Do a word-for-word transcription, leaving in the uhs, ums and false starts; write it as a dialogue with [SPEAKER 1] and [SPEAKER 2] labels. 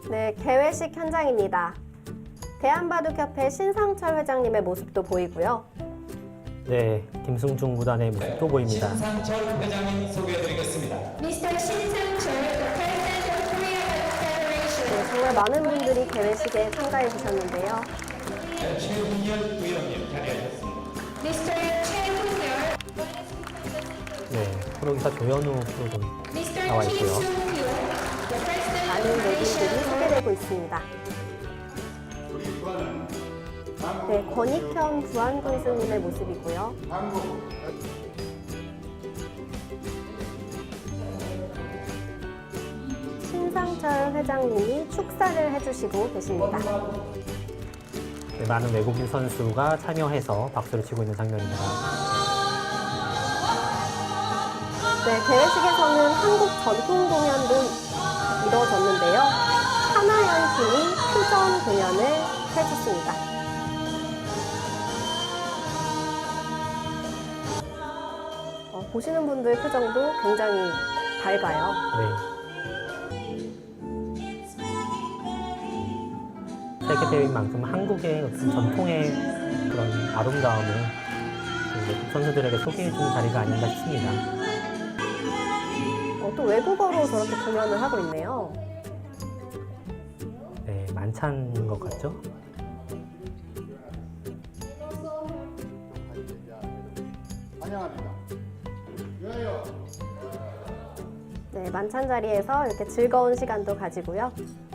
[SPEAKER 1] 네, 개회식 현장입니다. 대한바둑협회 신상철 회장님의 모습도 보이고요.
[SPEAKER 2] 네, 김승중 구단의 모습도 보입니다.
[SPEAKER 3] 신상철 회장님 소개해드리겠습니다.
[SPEAKER 4] 미스터 신상철, President of Korea Federation.
[SPEAKER 1] 네, 정말 많은 분들이 개회식에 참가해 주셨는데요.
[SPEAKER 3] 최훈열 의원님 자리하셨습니다.
[SPEAKER 4] 미스터 최훈열,
[SPEAKER 2] 네, 프로기사 조현우 프로도
[SPEAKER 4] 미스터
[SPEAKER 2] 나와 있고요.
[SPEAKER 4] 김승규, the President
[SPEAKER 1] 많은
[SPEAKER 4] of
[SPEAKER 1] 내빈들이
[SPEAKER 4] Asia.
[SPEAKER 1] 소개되고 있습니다. 네, 권익현 부안군 스님의 모습이고요. 신상철 회장님이 축사를 해주시고 계십니다.
[SPEAKER 2] 네, 많은 외국인 선수가 참여해서 박수를 치고 있는 장면입니다.
[SPEAKER 1] 네, 개회식에서는 한국 전통 공연도 이루어졌는데요. 하나연 팀이 표정 공연을 해줬습니다. 어, 보시는 분들 표정도 굉장히 밝아요.
[SPEAKER 2] 네. 세계대회인 만큼 한국의 어떤 전통의 그런 아름다움을 외국 선수들에게 소개해주는 자리가 아닌가 싶습니다.
[SPEAKER 1] 어, 또 외국어로 저렇게 공연을 하고 있네요.
[SPEAKER 2] 네, 만찬인 것 같죠?
[SPEAKER 5] 환영합니다.
[SPEAKER 1] 네, 만찬 자리에서 이렇게 즐거운 시간도 가지고요.